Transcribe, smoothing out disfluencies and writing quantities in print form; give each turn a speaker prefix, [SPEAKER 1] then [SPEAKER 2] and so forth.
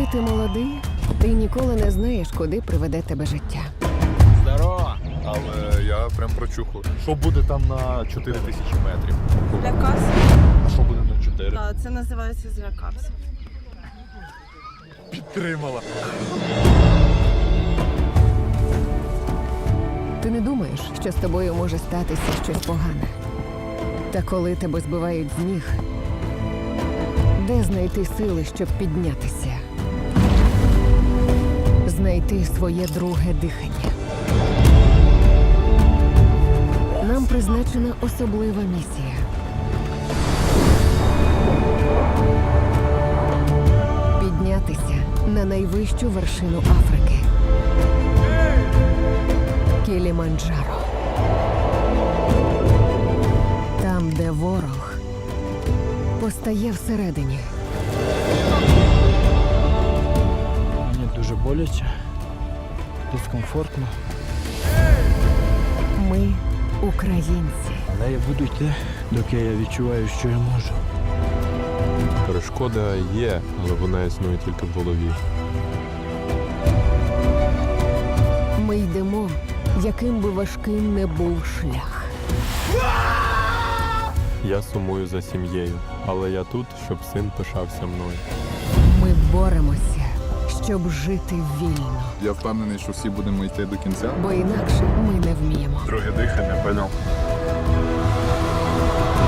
[SPEAKER 1] Коли ти молодий, ти ніколи не знаєш, куди приведе тебе життя.
[SPEAKER 2] Здорово! Але я прям прочухав. Що буде там на 4000 метрів?
[SPEAKER 3] Злякався.
[SPEAKER 2] А що буде на 4?
[SPEAKER 3] Так, це називається злякався.
[SPEAKER 2] Підтримала.
[SPEAKER 1] Ти не думаєш, що з тобою може статися щось погане. Та коли тебе збивають з ніг, де знайти сили, щоб піднятися? Знайти своє друге дихання. Нам призначена особлива місія. Піднятися на найвищу вершину Африки. Кіліманджаро. Там, де ворог постає всередині.
[SPEAKER 4] Мені дуже боляче, дискомфортно.
[SPEAKER 1] Ми українці.
[SPEAKER 4] Але я буду йти, доки я відчуваю, що я можу.
[SPEAKER 5] Перешкода є, але вона існує тільки в голові.
[SPEAKER 1] Ми йдемо, яким би важким не був шлях.
[SPEAKER 5] Я сумую за сім'єю, але я тут, щоб син пишався мною.
[SPEAKER 1] Ми боремося, щоб жити вільно.
[SPEAKER 2] Я впевнений, що всі будемо йти до кінця.
[SPEAKER 1] Бо інакше ми не вміємо.
[SPEAKER 2] Друге дихання, поняв.